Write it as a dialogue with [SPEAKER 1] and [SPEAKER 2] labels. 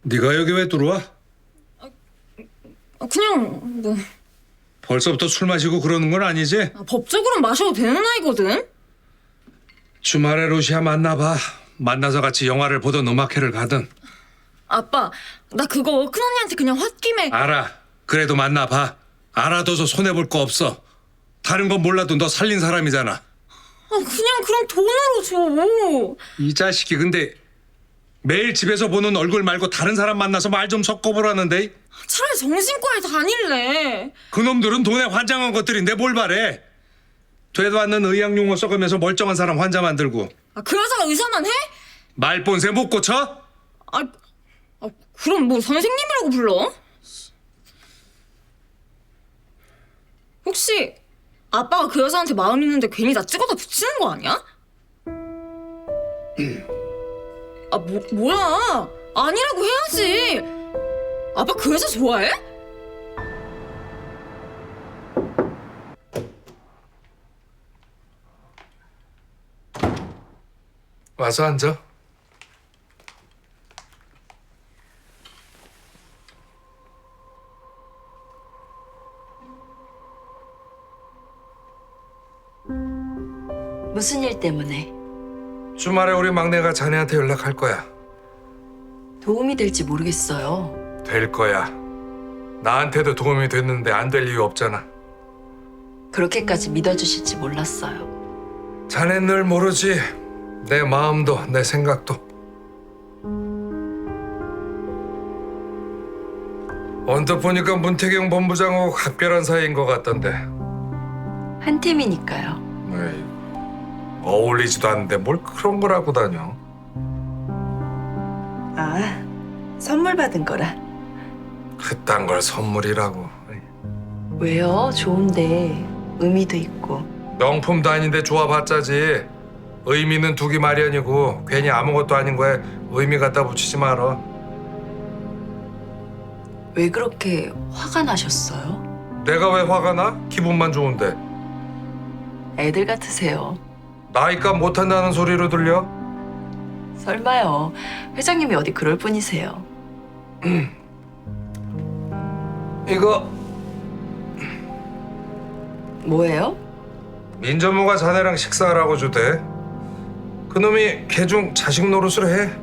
[SPEAKER 1] 네가 여기 왜 들어와?
[SPEAKER 2] 그냥 뭐
[SPEAKER 1] 벌써부터 술 마시고 그러는 건 아니지?
[SPEAKER 2] 법적으로는 마셔도 되는 나이거든.
[SPEAKER 1] 주말에 루시아 만나봐. 만나서 같이 영화를 보든 음악회를 가든.
[SPEAKER 2] 아빠, 나 그거 큰언니한테 그냥 홧김에.
[SPEAKER 1] 알아. 그래도 만나봐. 알아둬서 손해볼 거 없어. 다른 건 몰라도 너 살린 사람이잖아.
[SPEAKER 2] 그냥 그럼 돈으로 줘.
[SPEAKER 1] 이 자식이 근데 매일 집에서 보는 얼굴 말고 다른 사람 만나서 말 좀 섞어보라는데.
[SPEAKER 2] 차라리 정신과에 다닐래.
[SPEAKER 1] 그놈들은 돈에 환장한 것들인데 뭘 바래. 되도 않는 의학용어 써가면서 멀쩡한 사람 환자 만들고.
[SPEAKER 2] 그 여자가 의사만 해?
[SPEAKER 1] 말본새 못 고쳐?
[SPEAKER 2] 그럼 뭐 선생님이라고 불러? 혹시 아빠가 그 여자한테 마음 있는데 괜히 나 찍어다 붙이는 거 아니야? 뭐야? 아니라고 해야지. 아빠 그 여자 좋아해?
[SPEAKER 1] 와서 앉아.
[SPEAKER 3] 무슨 일 때문에?
[SPEAKER 1] 주말에 우리 막내가 자네한테 연락할 거야.
[SPEAKER 3] 도움이 될지 모르겠어요.
[SPEAKER 1] 될 거야. 나한테도 도움이 됐는데 안 될 이유 없잖아.
[SPEAKER 3] 그렇게까지 믿어주실지 몰랐어요.
[SPEAKER 1] 자넨 늘 모르지. 내 마음도 내 생각도. 언뜻 보니까 문태경 본부장하고 각별한 사이인 것 같던데.
[SPEAKER 3] 한 팀이니까요.
[SPEAKER 1] 에이, 어울리지도 않는데 뭘 그런 걸 하고 다녀.
[SPEAKER 3] 아, 선물 받은 거라.
[SPEAKER 1] 그딴 걸 선물이라고.
[SPEAKER 3] 왜요? 좋은데 의미도 있고.
[SPEAKER 1] 명품도 아닌데 좋아봤자지. 의미는 두기 마련이고 괜히 아무것도 아닌 거에 의미 갖다 붙이지 마라.
[SPEAKER 3] 왜 그렇게 화가 나셨어요?
[SPEAKER 1] 내가 왜 화가 나? 기분만 좋은데.
[SPEAKER 3] 애들 같으세요.
[SPEAKER 1] 나이값 못한다는 소리로 들려?
[SPEAKER 3] 설마요. 회장님이 어디 그럴 뿐이세요.
[SPEAKER 1] 이거
[SPEAKER 3] 뭐예요?
[SPEAKER 1] 민전무가 자네랑 식사하라고 주대. 그놈이 개중 자식 노릇을 해.